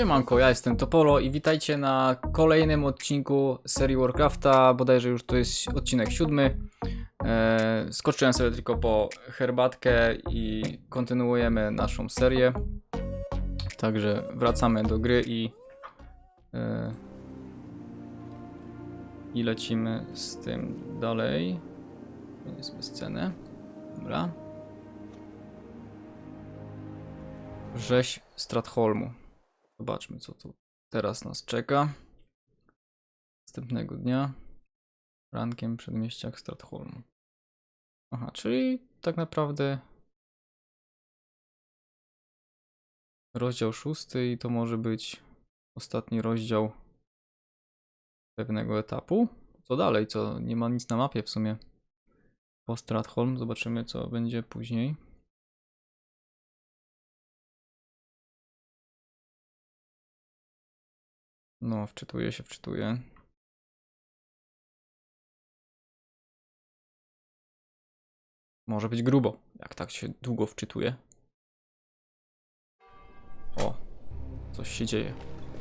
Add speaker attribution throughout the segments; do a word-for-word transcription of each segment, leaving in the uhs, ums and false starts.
Speaker 1: Siemanko, ja jestem Topolo i witajcie na kolejnym odcinku serii Warcrafta, bodajże już to jest odcinek siódmy. Eee, skoczyłem sobie tylko po herbatkę i kontynuujemy naszą serię. Także wracamy do gry i, eee, i lecimy z tym dalej. Jest bez sceny. Dobra. Rzeź Stratholmu. Zobaczmy, co tu teraz nas czeka. Następnego dnia. Rankiem w przedmieściach Stratholmu. Aha, czyli tak naprawdę rozdział szósty i to może być ostatni rozdział pewnego etapu. Co dalej? Co? Nie ma nic na mapie w sumie. Po Stratholm. Zobaczymy, co będzie później. No, wczytuję się, wczytuję. Może być grubo, jak tak się długo wczytuje. O, coś się dzieje.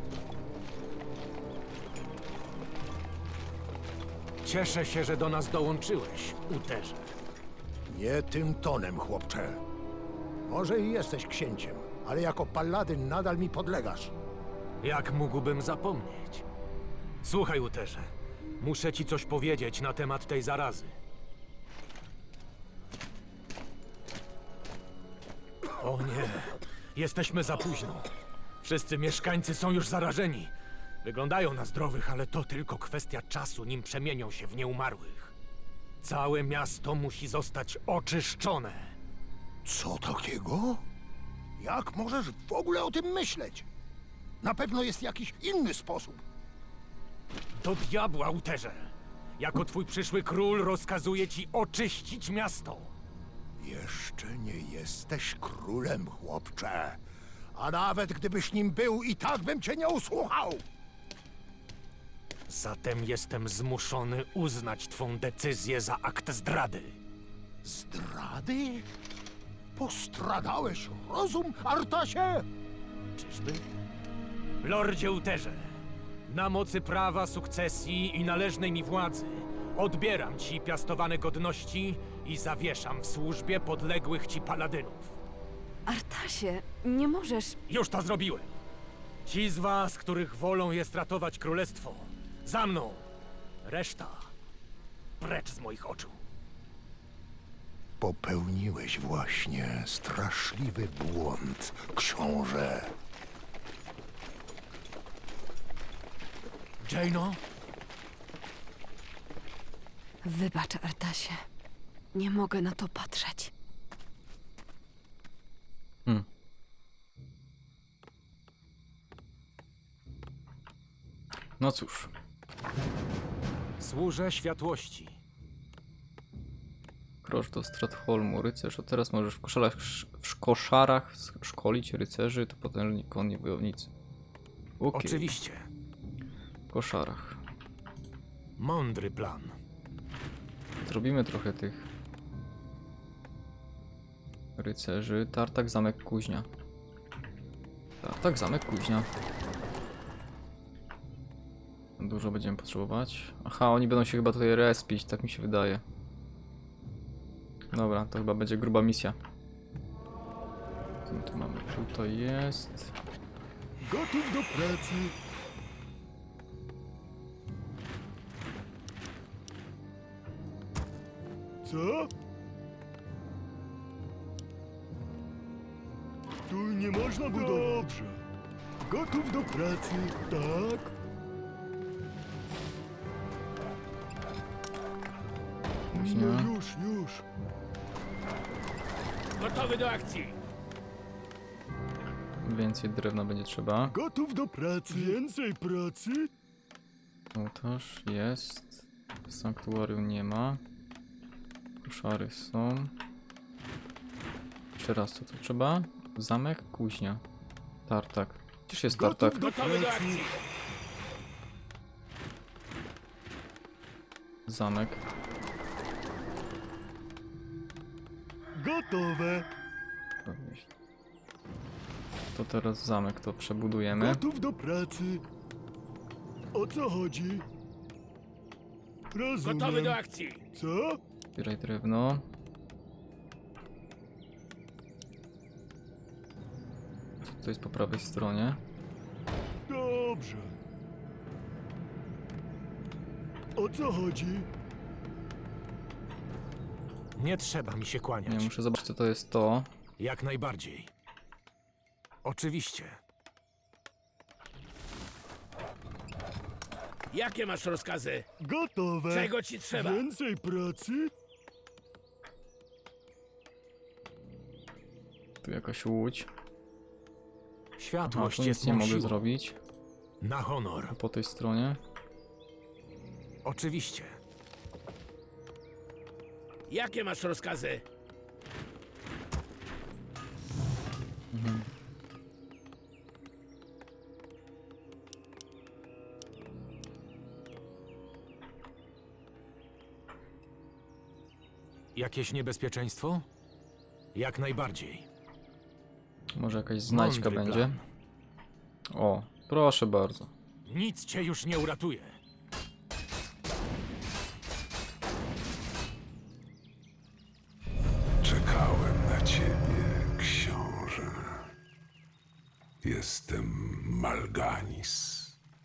Speaker 2: Cieszę się, że do nas dołączyłeś, Uterze.
Speaker 3: Nie tym tonem, chłopcze. Może i jesteś księciem, ale jako paladyn nadal mi podlegasz.
Speaker 2: Jak mógłbym zapomnieć? Słuchaj, Uterze, muszę ci coś powiedzieć na temat tej zarazy. O nie, jesteśmy za późno. Wszyscy mieszkańcy są już zarażeni. Wyglądają na zdrowych, ale to tylko kwestia czasu, nim przemienią się w nieumarłych. Całe miasto musi zostać oczyszczone.
Speaker 3: Co takiego? Jak możesz w ogóle o tym myśleć? Na pewno jest jakiś inny sposób.
Speaker 2: Do diabła, Uterze! Jako twój przyszły król rozkazuję ci oczyścić miasto.
Speaker 3: Jeszcze nie jesteś królem, chłopcze. A nawet gdybyś nim był, i tak bym cię nie usłuchał.
Speaker 2: Zatem jestem zmuszony uznać twą decyzję za akt zdrady.
Speaker 3: Zdrady? Postradałeś rozum, Artasie?
Speaker 2: Czyżby? Lordzie Uterze, na mocy prawa sukcesji i należnej mi władzy odbieram ci piastowane godności i zawieszam w służbie podległych ci paladynów.
Speaker 4: Artasie, nie możesz...
Speaker 2: Już to zrobiłem. Ci z was, których wolą jest ratować królestwo, za mną. Reszta precz z moich oczu.
Speaker 3: Popełniłeś właśnie straszliwy błąd, książę.
Speaker 2: Jaino?
Speaker 4: Wybacz, Artasie. Nie mogę na to patrzeć.
Speaker 1: Hmm. No cóż.
Speaker 2: Służę światłości.
Speaker 1: Krocz do Stratholmu, rycerz. A teraz możesz w koszarach, w koszarach szkolić rycerzy, to potężni konni wojownicy. Okay.
Speaker 2: Oczywiście.
Speaker 1: W koszarach.
Speaker 2: Mądry plan.
Speaker 1: Zrobimy trochę tych rycerzy. Tartak, zamek, kuźnia. Tartak, zamek, kuźnia. Dużo będziemy potrzebować. Aha, oni będą się chyba tutaj respić, tak mi się wydaje. Dobra, to chyba będzie gruba misja. Co my tu mamy? Tutaj jest.
Speaker 3: Gotów do pracy. Co? Tu nie można budować. Dobrze. Gotów do pracy, tak?
Speaker 1: Kuźnia.
Speaker 3: No już, już.
Speaker 2: Gotowy do akcji.
Speaker 1: Więcej drewna będzie trzeba.
Speaker 3: Gotów do pracy. Więcej pracy?
Speaker 1: Ołtarz jest. Sanktuarium nie ma. Koszary są. Jeszcze raz, co tu trzeba? Zamek, kuźnia. Tartak. Gdzież jest tartak?
Speaker 2: Gotowy do akcji.
Speaker 1: Zamek.
Speaker 3: Gotowe.
Speaker 1: Podnieść. to teraz zamek to przebudujemy.
Speaker 5: Gotów do pracy. O co chodzi? Rozumiem.
Speaker 2: Gotowy do akcji!
Speaker 5: Co?
Speaker 1: Zbieraj drewno. Co to jest po prawej stronie?
Speaker 5: Dobrze. O co chodzi?
Speaker 2: Nie trzeba mi się kłaniać.
Speaker 1: Nie, muszę zobaczyć co to jest to.
Speaker 2: Jak najbardziej. Oczywiście.
Speaker 6: Jakie masz rozkazy?
Speaker 5: Gotowe.
Speaker 6: Czego ci trzeba?
Speaker 5: Więcej pracy?
Speaker 1: Tu jakaś łódź. A
Speaker 2: Światłość
Speaker 1: tu
Speaker 2: jest
Speaker 1: nic nie
Speaker 2: mą
Speaker 1: mogę
Speaker 2: siłą.
Speaker 1: zrobić.
Speaker 2: Na honor.
Speaker 1: Po tej stronie.
Speaker 2: Oczywiście.
Speaker 6: Jakie masz rozkazy?
Speaker 2: Jakieś niebezpieczeństwo? Jak najbardziej.
Speaker 1: Może jakaś znajdźka
Speaker 2: Mądry
Speaker 1: będzie.
Speaker 2: plan.
Speaker 1: O, proszę bardzo.
Speaker 2: Nic cię już nie uratuje.
Speaker 7: Czekałem na ciebie, książę. Jestem Malganis.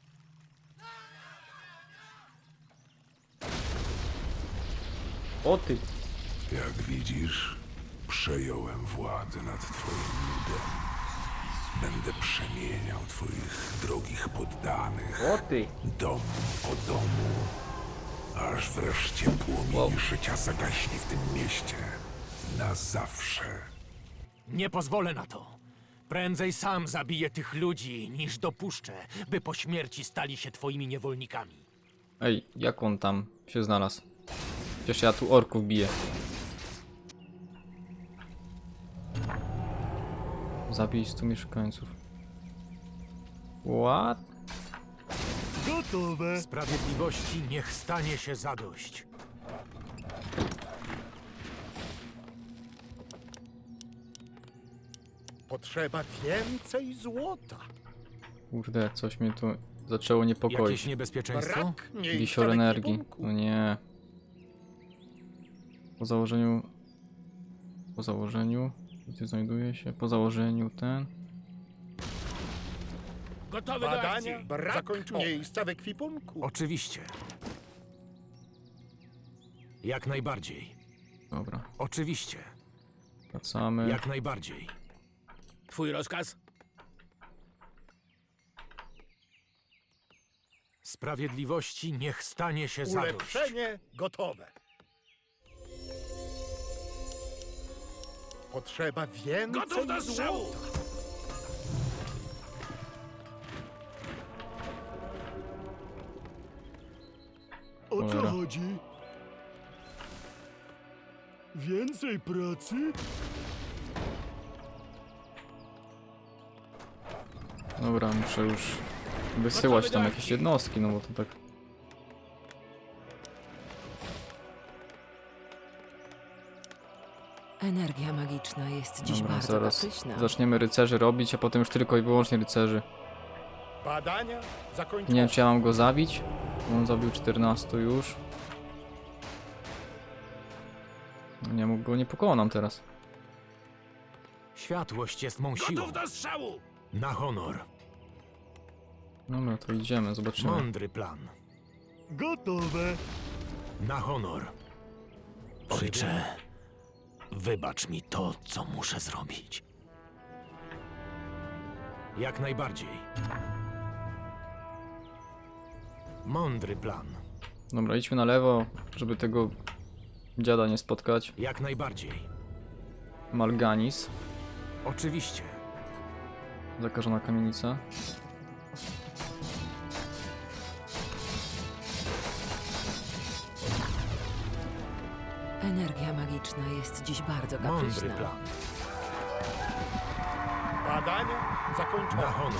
Speaker 1: O ty!
Speaker 7: Jak widzisz, przejąłem władzę nad twoim ludem. Będę przemieniał twoich drogich poddanych,
Speaker 1: O ty!
Speaker 7: dom po domu, aż wreszcie płomień
Speaker 1: Wow.
Speaker 7: życia zagaśnie w tym mieście. Na zawsze.
Speaker 2: Nie pozwolę na to. Prędzej sam zabiję tych ludzi, niż dopuszczę, by po śmierci stali się twoimi niewolnikami.
Speaker 1: Ej, jak on tam się znalazł? Przecież ja tu orków biję. Zabij stu mieszkańców. What?
Speaker 5: Gotowe.
Speaker 2: Sprawiedliwości niech stanie się zadość.
Speaker 3: Potrzeba więcej złota.
Speaker 1: Kurde, coś mnie tu zaczęło niepokoić.
Speaker 2: Jakieś niebezpieczeństwo?
Speaker 3: Brak miejsca
Speaker 1: Wisior
Speaker 3: w
Speaker 1: energii.
Speaker 3: ekwipunku.
Speaker 1: No nie. Po założeniu... Po założeniu... Gdzie znajduje się? Po założeniu ten...
Speaker 6: Gotowy do akcji!
Speaker 3: Badania. Brak Zakończ miejsca w ekwipunku.
Speaker 2: Oczywiście. Jak najbardziej.
Speaker 1: Dobra,
Speaker 2: Oczywiście.
Speaker 1: wracamy.
Speaker 2: Jak najbardziej.
Speaker 6: Twój rozkaz?
Speaker 2: Sprawiedliwości niech stanie się zadość.
Speaker 3: Ulepszenie gotowe. Potrzeba więcej
Speaker 6: Gotów do strzału!
Speaker 3: złota.
Speaker 5: O co
Speaker 1: Cholera.
Speaker 5: chodzi? Więcej pracy?
Speaker 1: Dobra, muszę już wysyłać tam jakieś jednostki, no bo to tak...
Speaker 4: Energia magiczna jest dziś
Speaker 1: Dobra,
Speaker 4: bardzo
Speaker 1: zaraz
Speaker 4: kapryśna.
Speaker 1: zaczniemy rycerzy robić, a potem już tylko i wyłącznie rycerzy.
Speaker 3: Badania zakończone.
Speaker 1: Nie wiem, czy ja mam go zabić. On zabił czternastu już. Nie mógł go, nie pokonam teraz.
Speaker 2: Światłość jest mą siłą.
Speaker 6: Gotów do strzału!
Speaker 2: Na honor.
Speaker 1: Dobra, to idziemy, zobaczymy.
Speaker 2: Mądry plan.
Speaker 5: Gotowe.
Speaker 2: Na honor. Ojcze, wybacz mi to, co muszę zrobić. Jak najbardziej. Mądry plan.
Speaker 1: Dobra, idźmy na lewo, żeby tego dziada nie spotkać.
Speaker 2: Jak najbardziej.
Speaker 1: Malganis.
Speaker 2: Oczywiście.
Speaker 1: Zakażona kamienica.
Speaker 4: Energia magiczna jest dziś bardzo
Speaker 2: Mądry
Speaker 4: kapryśna.
Speaker 2: plan.
Speaker 3: Badania zakończone.
Speaker 2: Na honor.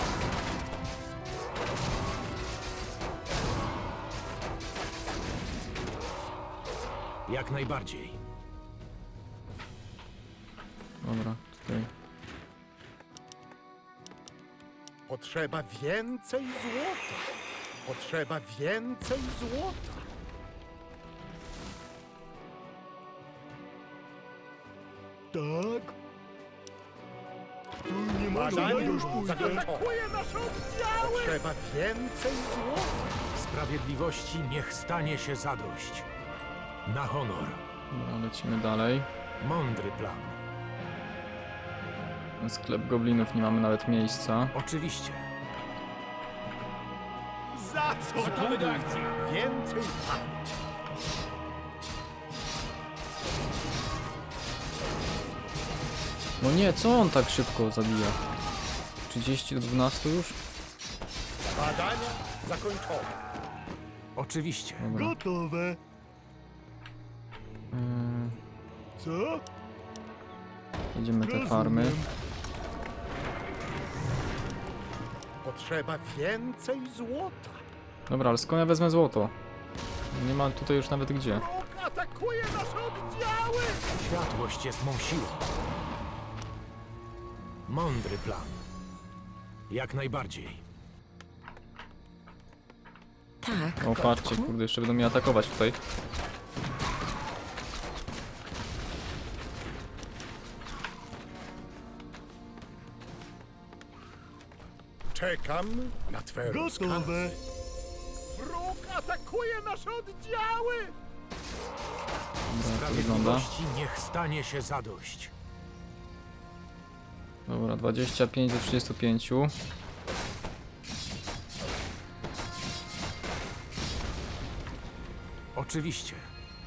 Speaker 2: Jak najbardziej.
Speaker 1: Dobra, tutaj.
Speaker 3: Potrzeba więcej złota. Potrzeba więcej złota.
Speaker 5: Tak? Tu nie ma
Speaker 3: Badania
Speaker 5: już pójdę.
Speaker 3: zakończone. nasze oddziały! Potrzeba więcej złota.
Speaker 2: Sprawiedliwości niech stanie się zadość. Na honor.
Speaker 1: Dobra, lecimy dalej.
Speaker 2: Mądry plan.
Speaker 1: Na sklep goblinów nie mamy nawet miejsca.
Speaker 2: Oczywiście.
Speaker 3: Za co?
Speaker 6: Gotowy do akcji.
Speaker 3: Więcej walki.
Speaker 1: No nie, co on tak szybko zabija? trzydzieści do dwunastu już?
Speaker 3: Badania zakończone.
Speaker 2: Oczywiście.
Speaker 1: Dobra.
Speaker 5: Gotowe.
Speaker 1: Ym,
Speaker 5: Co?
Speaker 1: jedziemy te farmy.
Speaker 5: Rozumiem.
Speaker 3: Potrzeba więcej złota.
Speaker 1: Dobra, ale skąd ja wezmę złoto? Nie ma tutaj już nawet gdzie.
Speaker 3: Wróg atakuje nasze oddziały!
Speaker 2: Światłość jest mą siłą. Mądry plan. Jak najbardziej.
Speaker 4: Tak,
Speaker 1: O, patrzcie,
Speaker 4: kotku.
Speaker 1: kurde, jeszcze będą mnie atakować tutaj.
Speaker 3: Czekam na twe rozkazy.
Speaker 5: Gotowe.
Speaker 3: Wróg atakuje nasze oddziały!
Speaker 1: Dobra, jak to wygląda.
Speaker 2: Sprawiedliwości niech stanie się zadość.
Speaker 1: Dobra, dwadzieścia pięć do trzydziestu pięciu.
Speaker 2: Oczywiście.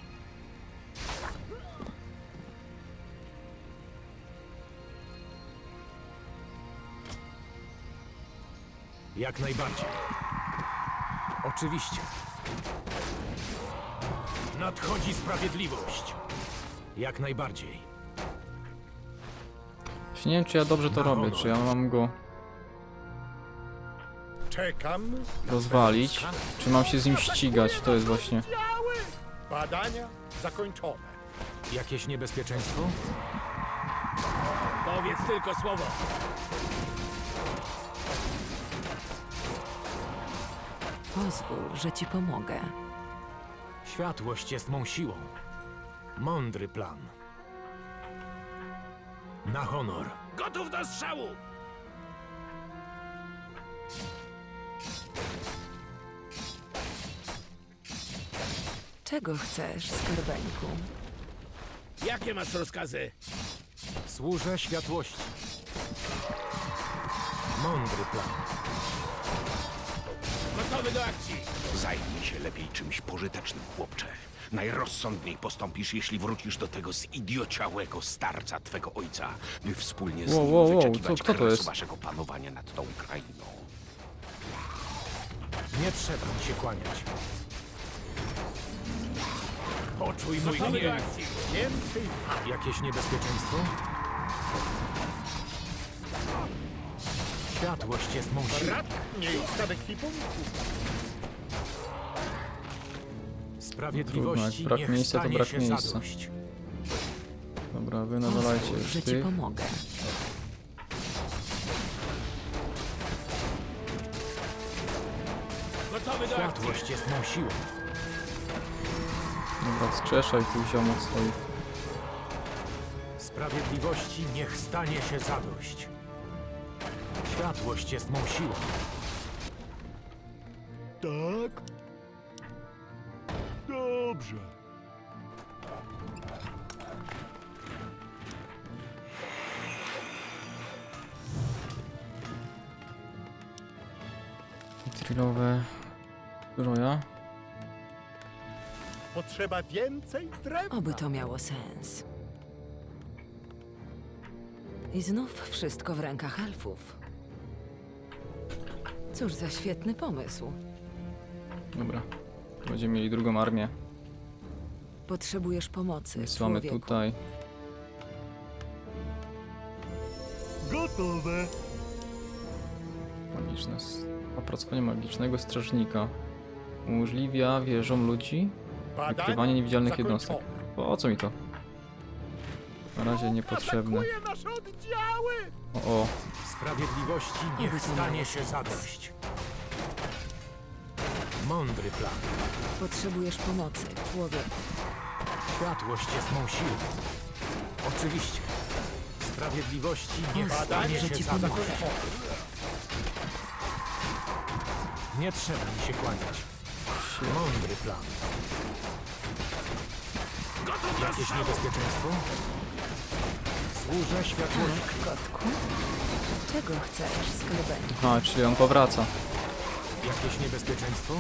Speaker 2: Jak najbardziej. Oczywiście. Nadchodzi sprawiedliwość. Jak najbardziej.
Speaker 1: Właśnie nie wiem, czy ja dobrze to
Speaker 2: Na
Speaker 1: robię,
Speaker 2: honor.
Speaker 1: czy ja mam go
Speaker 3: Czekam na
Speaker 1: rozwalić,
Speaker 3: twe rozkazy.
Speaker 1: czy mam się z nim ścigać, to jest właśnie...
Speaker 3: Oddziały! Badania zakończone.
Speaker 2: Jakieś niebezpieczeństwo?
Speaker 6: Powiedz tylko słowo.
Speaker 4: Pozwól, że ci pomogę.
Speaker 2: Światłość jest mą siłą. Mądry plan. Na honor.
Speaker 6: Gotów do strzału.
Speaker 4: Czego chcesz, skarbeńku?
Speaker 6: Jakie masz rozkazy?
Speaker 2: Służę światłości. Mądry plan.
Speaker 6: Gotowy do akcji.
Speaker 8: Zajmij się lepiej czymś pożytecznym, chłopcze. Najrozsądniej postąpisz, jeśli wrócisz do tego zidiociałego starca twego ojca, by wspólnie z
Speaker 1: Wow,
Speaker 8: nim
Speaker 1: wow, wow,
Speaker 8: wyczekiwać
Speaker 1: co- kto to
Speaker 8: kresu
Speaker 1: jest?
Speaker 8: waszego panowania nad tą krainą.
Speaker 2: Nie trzeba mi się kłaniać.
Speaker 6: Poczuj mój
Speaker 3: Gotowy do
Speaker 6: gniew.
Speaker 3: akcji. Więcej walki.
Speaker 2: Jakieś niebezpieczeństwo? Światłość jest mą siłą.
Speaker 3: Brak miejsca w ekwipunku.
Speaker 2: Sprawiedliwości
Speaker 1: Trudno, jak brak
Speaker 2: niech
Speaker 1: miejsca, to
Speaker 2: stanie
Speaker 1: brak
Speaker 2: się
Speaker 1: miejsca.
Speaker 2: zadość.
Speaker 1: Dobra, wy nawalajcie
Speaker 4: Pozwól,
Speaker 1: już
Speaker 4: że ci
Speaker 1: tych.
Speaker 4: pomogę.
Speaker 6: Gotowy do akcji.
Speaker 2: Światłość jest mą siłą.
Speaker 1: Dobra, wskrzeszaj tych ziomów swoich.
Speaker 2: Sprawiedliwości niech stanie się zadość. Światłość jest mą siłą.
Speaker 5: Tak? Dobrze.
Speaker 1: Trilowe zbroja.
Speaker 3: Potrzeba więcej drewna.
Speaker 4: Oby to miało sens. I znów wszystko w rękach elfów. Cóż za świetny pomysł.
Speaker 1: Dobra. Będziemy mieli drugą armię.
Speaker 4: Potrzebujesz pomocy,
Speaker 1: Wysyłamy
Speaker 4: człowieku.
Speaker 1: tutaj.
Speaker 5: Gotowe.
Speaker 1: Magiczne... s- Opracowanie magicznego strażnika. Umożliwia wieżom ludzi
Speaker 3: Badania
Speaker 1: wykrywanie niewidzialnych jednostek.
Speaker 3: zakończone.
Speaker 1: Po co mi to? Na razie niepotrzebne.
Speaker 3: Atakuje nasze oddziały!
Speaker 1: O, o.
Speaker 2: Sprawiedliwości niech
Speaker 4: Oby to
Speaker 2: stanie
Speaker 4: miało
Speaker 2: się
Speaker 4: sens.
Speaker 2: zadość. Mądry plan.
Speaker 4: Potrzebujesz pomocy, człowieku.
Speaker 2: Światłość jest mą siłą. Oczywiście. Sprawiedliwości niech
Speaker 4: Pozwól,
Speaker 2: stanie
Speaker 4: że
Speaker 2: się
Speaker 4: ci
Speaker 2: zadość.
Speaker 4: pomogę.
Speaker 2: Nie trzeba mi się kłaniać. Mądry plan. Jakieś niebezpieczeństwo? Służę światłości.
Speaker 4: Tak, kotku. Czego chcesz, skarbeńku?
Speaker 1: Aha, czyli on powraca.
Speaker 2: Jakieś niebezpieczeństwo?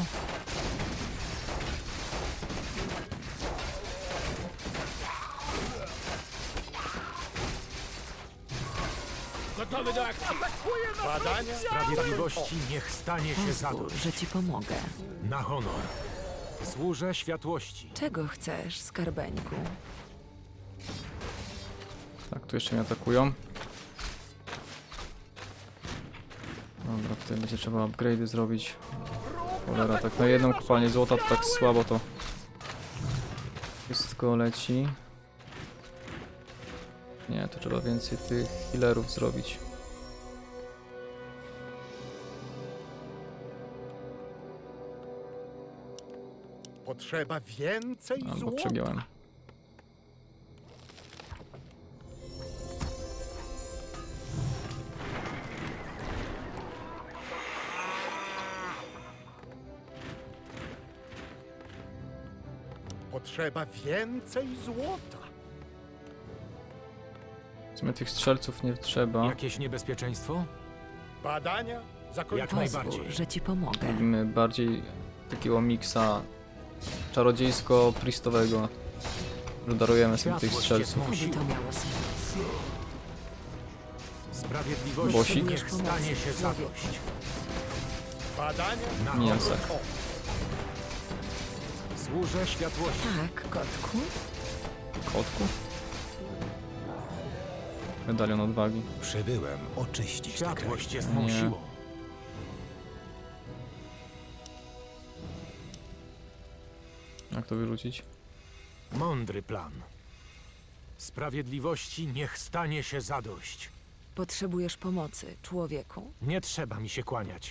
Speaker 6: Gotowy do akcji.
Speaker 2: Badania sprawiedliwości niech stanie się
Speaker 4: Pozwól,
Speaker 2: zadość.
Speaker 4: że ci pomogę.
Speaker 2: Na honor. Służę światłości.
Speaker 4: Czego chcesz, skarbeńku?
Speaker 1: Tak, tu jeszcze mnie atakują. Dobra, tutaj będzie trzeba upgrade'y zrobić. Cholera, tak na jedną kopalnię złota to tak słabo to wszystko leci. Nie, to trzeba więcej tych healerów zrobić.
Speaker 3: Potrzeba więcej
Speaker 1: Albo
Speaker 3: złota.
Speaker 1: przegiąłem.
Speaker 3: Potrzeba więcej złota.
Speaker 1: W sumie tych strzelców nie trzeba.
Speaker 2: Jakieś niebezpieczeństwo?
Speaker 3: Badania
Speaker 2: Jak
Speaker 3: zakończone.
Speaker 2: najbardziej.
Speaker 4: Pozwól, że ci pomogę.
Speaker 1: Robimy bardziej takiego miksa czarodziejsko-priestowego. Że darujemy sobie tych
Speaker 2: Światłość jest
Speaker 1: strzelców.
Speaker 2: mą
Speaker 4: Oby
Speaker 2: siłą.
Speaker 4: to miało sens.
Speaker 2: Sprawiedliwości
Speaker 1: Bosik?
Speaker 2: niech stanie się zadość.
Speaker 3: Badania
Speaker 2: Na
Speaker 1: Mięsa.
Speaker 2: honor. Służę światłości.
Speaker 4: Tak, kotku.
Speaker 1: Kotku? Medalion odwagi.
Speaker 7: Przybyłem oczyścić tę
Speaker 2: Światłość
Speaker 7: krainę.
Speaker 2: jest mą
Speaker 1: Nie.
Speaker 2: siłą.
Speaker 1: Jak to wyrzucić?
Speaker 2: Mądry plan. Sprawiedliwości niech stanie się zadość.
Speaker 4: Potrzebujesz pomocy, człowieku.
Speaker 2: Nie trzeba mi się kłaniać.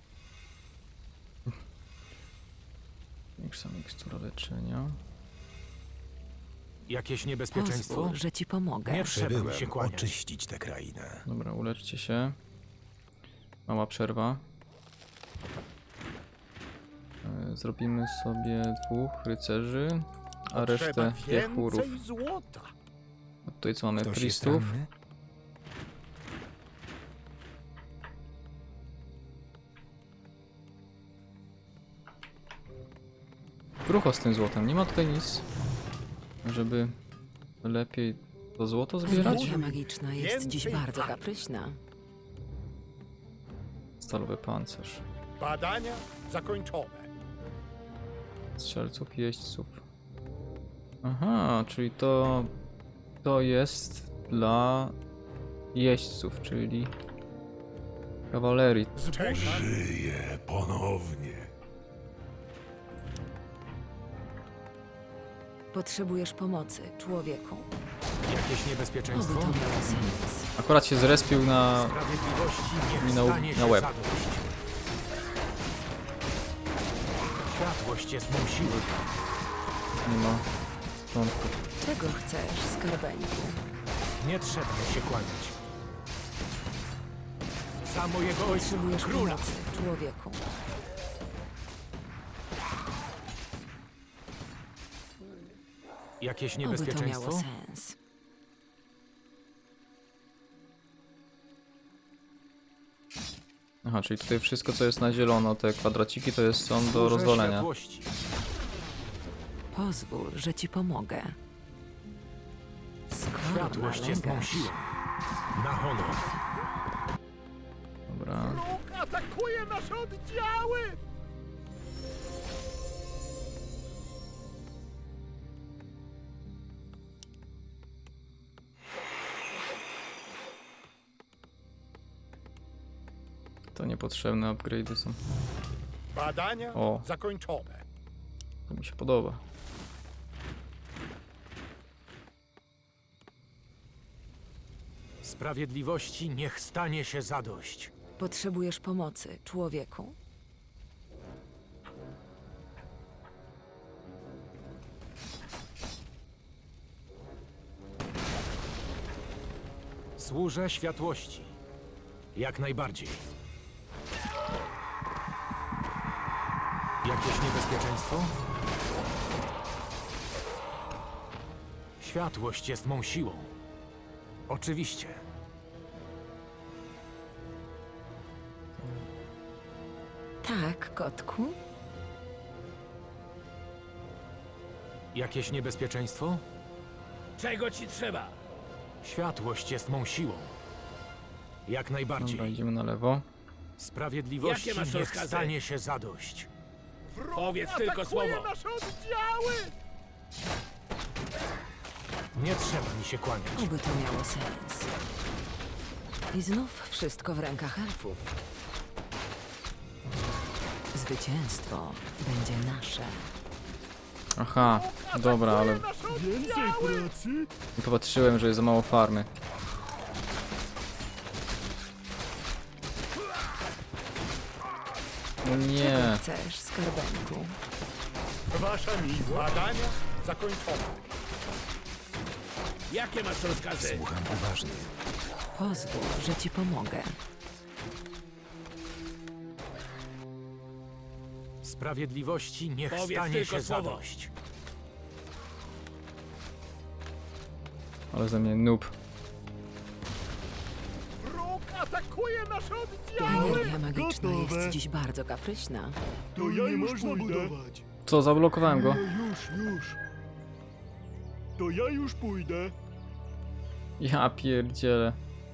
Speaker 1: Większa mikstura leczenia.
Speaker 2: Jakieś niebezpieczeństwo?
Speaker 4: Pozwól, że ci pomogę.
Speaker 2: Nie trzeba mi się
Speaker 7: Przybyłem
Speaker 2: kłaniać.
Speaker 7: oczyścić tę krainę.
Speaker 1: Dobra, uleczcie się. Mała przerwa. E, Zrobimy sobie dwóch rycerzy, a
Speaker 3: potrzeba
Speaker 1: resztę jachurów.
Speaker 3: więcej złota.
Speaker 1: A tutaj co mamy?
Speaker 7: Ktoś jest
Speaker 1: Priestów.
Speaker 7: ranny?
Speaker 1: Krucho z tym złotem. Nie ma tutaj nic, żeby lepiej to złoto zbierać.
Speaker 4: Zbroja magiczna jest
Speaker 3: Więcej
Speaker 4: dziś bardzo
Speaker 3: walki.
Speaker 4: kapryśna.
Speaker 1: Stalowy pancerz.
Speaker 3: Badania zakończone.
Speaker 1: Strzelców, jeźdźców. Aha, czyli to to jest dla jeźdźców, czyli kawalerii.
Speaker 7: Żyję ponownie.
Speaker 4: Potrzebujesz pomocy, człowieku.
Speaker 2: Jakieś
Speaker 4: Oby
Speaker 2: niebezpieczeństwo?
Speaker 4: to miało sens.
Speaker 1: Akurat się zrespił na...
Speaker 2: Sprawiedliwości niech
Speaker 1: na-
Speaker 2: stanie
Speaker 1: na
Speaker 2: się
Speaker 1: łeb.
Speaker 2: zadość. Światłość jest mą siłą.
Speaker 1: nie ma początku.
Speaker 4: Czego chcesz, skarbeńku?
Speaker 2: Nie trzeba mi się kłaniać. Za mojego ojca,
Speaker 4: Potrzebujesz
Speaker 2: króla.
Speaker 4: pomocy, człowieku.
Speaker 2: Jakieś
Speaker 4: Oby to miało
Speaker 2: niebezpieczeństwo?
Speaker 4: sens.
Speaker 1: Aha, czyli tutaj wszystko co jest na zielono, te kwadraciki to jest są do
Speaker 2: Służę
Speaker 1: rozwalenia.
Speaker 2: światłości.
Speaker 4: Pozwól, że ci pomogę. Skoro
Speaker 2: Światłość jest mą
Speaker 4: nalegasz.
Speaker 2: siłą. Na honor.
Speaker 1: Dobra.
Speaker 3: Wróg atakuje nasze oddziały!
Speaker 1: To niepotrzebne upgrade'y są.
Speaker 3: Badania
Speaker 1: O.
Speaker 3: zakończone.
Speaker 1: To mi się podoba.
Speaker 2: Sprawiedliwości niech stanie się zadość.
Speaker 4: Potrzebujesz pomocy, człowieku.
Speaker 2: Służę światłości. Jak najbardziej. Jakieś niebezpieczeństwo? Światłość jest mą siłą. Oczywiście.
Speaker 4: Tak, kotku?
Speaker 2: Jakieś niebezpieczeństwo?
Speaker 6: Czego ci trzeba?
Speaker 2: Światłość jest mą siłą. Jak najbardziej.
Speaker 1: Dobra, idziemy na lewo.
Speaker 2: Sprawiedliwości
Speaker 6: Jakie masz
Speaker 2: niech
Speaker 6: rozkazy?
Speaker 2: stanie się zadość.
Speaker 6: Powiedz tylko słowo.
Speaker 5: nasze oddziały!
Speaker 2: Nie trzeba mi się kłaniać.
Speaker 4: Oby to miało sens. I znów wszystko w rękach elfów. Zwycięstwo będzie nasze.
Speaker 1: Aha, dobra, ale
Speaker 5: Więcej pracy?
Speaker 1: nie popatrzyłem, że jest za mało farmy. O nie,
Speaker 4: Chcesz, skarbenku?
Speaker 5: Wasza miłość. Badania zakończone.
Speaker 6: Jakie masz rozkazy?
Speaker 8: Słucham uważnie.
Speaker 4: Pozwól, że ci pomogę.
Speaker 2: Sprawiedliwości niech
Speaker 6: Powiedz
Speaker 2: stanie
Speaker 6: tylko
Speaker 2: się
Speaker 6: słowo.
Speaker 2: zadość.
Speaker 1: ale ze mnie noob.
Speaker 5: Wróg atakuje nasze oddziały!
Speaker 4: Energia magiczna
Speaker 5: Gotowe.
Speaker 4: jest dziś bardzo kapryśna.
Speaker 5: To ja nie można budować.
Speaker 1: Co, zablokowałem go?
Speaker 5: No już, już. To ja już pójdę.
Speaker 1: Ja pierdzielę.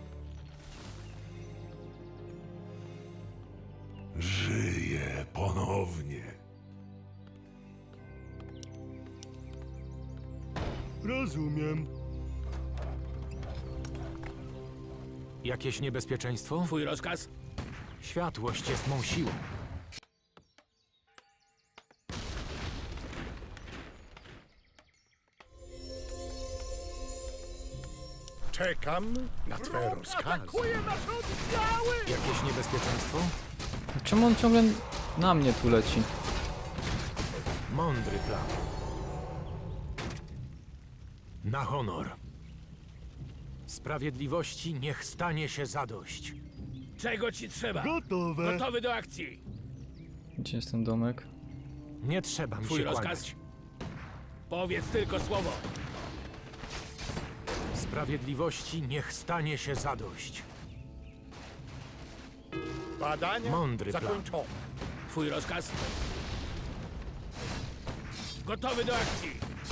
Speaker 7: Żyję ponownie.
Speaker 5: Rozumiem.
Speaker 2: Jakieś niebezpieczeństwo?
Speaker 6: Twój rozkaz?
Speaker 2: Światłość jest mą siłą.
Speaker 3: Czekam na twe rozkazy.
Speaker 5: Atakuje nasze oddziały!
Speaker 2: Jakieś niebezpieczeństwo?
Speaker 1: Czemu on ciągle na mnie tu leci?
Speaker 2: Mądry plan. Na honor. Sprawiedliwości niech stanie się zadość.
Speaker 6: Czego ci trzeba?
Speaker 5: Gotowe.
Speaker 6: Gotowy do akcji.
Speaker 1: Gdzie jest ten domek?
Speaker 2: Nie trzeba mi
Speaker 6: Twój
Speaker 2: się
Speaker 6: rozkaz?
Speaker 2: kłaniać.
Speaker 6: Powiedz tylko słowo.
Speaker 2: Sprawiedliwości niech stanie się zadość.
Speaker 5: Badania
Speaker 2: Mądry plan.
Speaker 5: zakończone.
Speaker 6: Twój rozkaz? Gotowy do akcji.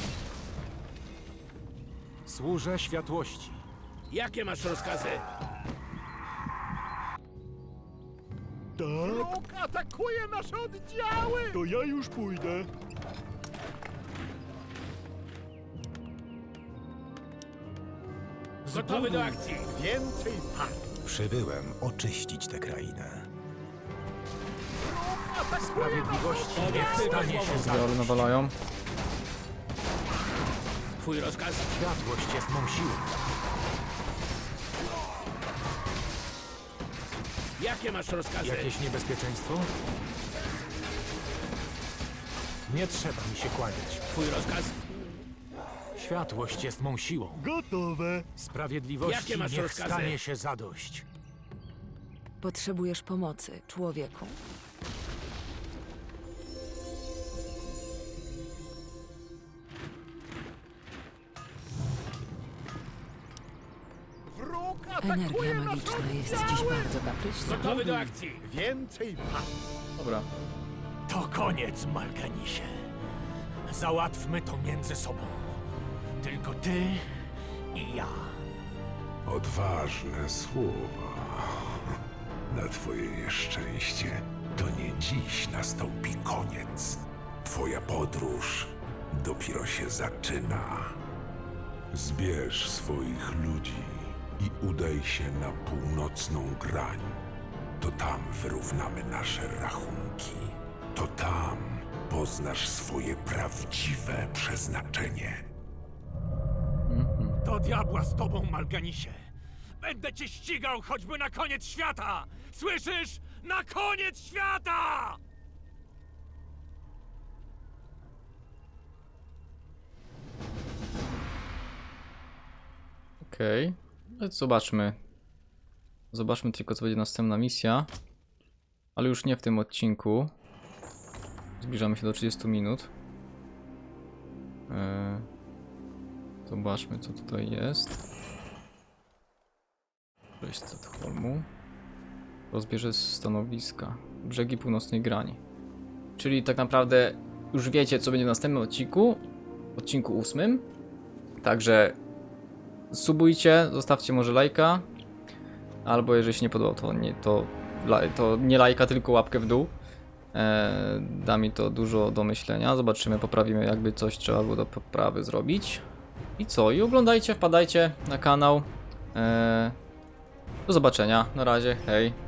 Speaker 2: Służę światłości.
Speaker 6: Jakie masz rozkazy?
Speaker 5: Tak? Wróg atakuje nasze oddziały! To ja już pójdę.
Speaker 6: Gotowy do akcji.
Speaker 5: Więcej farm.
Speaker 3: Przybyłem oczyścić tę krainę.
Speaker 2: Sprawiedliwości niech
Speaker 6: Powiedz tylko
Speaker 2: stanie się
Speaker 6: słowo.
Speaker 1: Ale
Speaker 2: zadość.
Speaker 1: nawalają.
Speaker 6: Twój rozkaz?
Speaker 2: Światłość jest mą siłą.
Speaker 6: Jakie masz rozkazy?
Speaker 2: Jakieś niebezpieczeństwo? Nie trzeba mi się kłaniać.
Speaker 6: Twój rozkaz?
Speaker 2: Światłość jest mą siłą.
Speaker 5: Gotowe.
Speaker 2: Sprawiedliwości
Speaker 6: Jakie masz
Speaker 2: niech
Speaker 6: rozkazy?
Speaker 2: stanie się zadość.
Speaker 4: Potrzebujesz pomocy, człowieku.
Speaker 5: Wróg
Speaker 4: Energia
Speaker 5: atakuje nasze
Speaker 4: magiczna jest
Speaker 5: oddziały!
Speaker 4: dziś bardzo kapryśna.
Speaker 6: Gotowy do akcji.
Speaker 5: Więcej farm.
Speaker 1: Dobra.
Speaker 2: To koniec, Malganisie. Załatwmy to między sobą. Tylko ty i ja.
Speaker 7: Odważne słowa. Na twoje nieszczęście to nie dziś nastąpi koniec. Twoja podróż dopiero się zaczyna. Zbierz swoich ludzi i udaj się na północną grań. To tam wyrównamy nasze rachunki. To tam poznasz swoje prawdziwe przeznaczenie.
Speaker 2: Do diabła z tobą, Malganisie. Będę cię ścigał choćby na koniec świata! Słyszysz? Na koniec świata!
Speaker 1: Okej. Okay. Zobaczmy. Zobaczmy tylko, co będzie następna misja. Ale już nie w tym odcinku. Zbliżamy się do trzydziestu minut. Eee, zobaczmy, co tutaj jest. Przejść z Stadholmu. Rozbierze stanowiska. Brzegi północnej grani. Czyli tak naprawdę już wiecie, co będzie w następnym odcinku. Odcinku ósmym. Także subujcie, zostawcie może lajka. Albo jeżeli się nie podoba, to nie, to, to nie lajka, tylko łapkę w dół. E, da mi to dużo do myślenia. Zobaczymy, poprawimy, jakby coś trzeba było do poprawy zrobić. I co? I oglądajcie, wpadajcie na kanał. E, do zobaczenia. Na razie. Hej.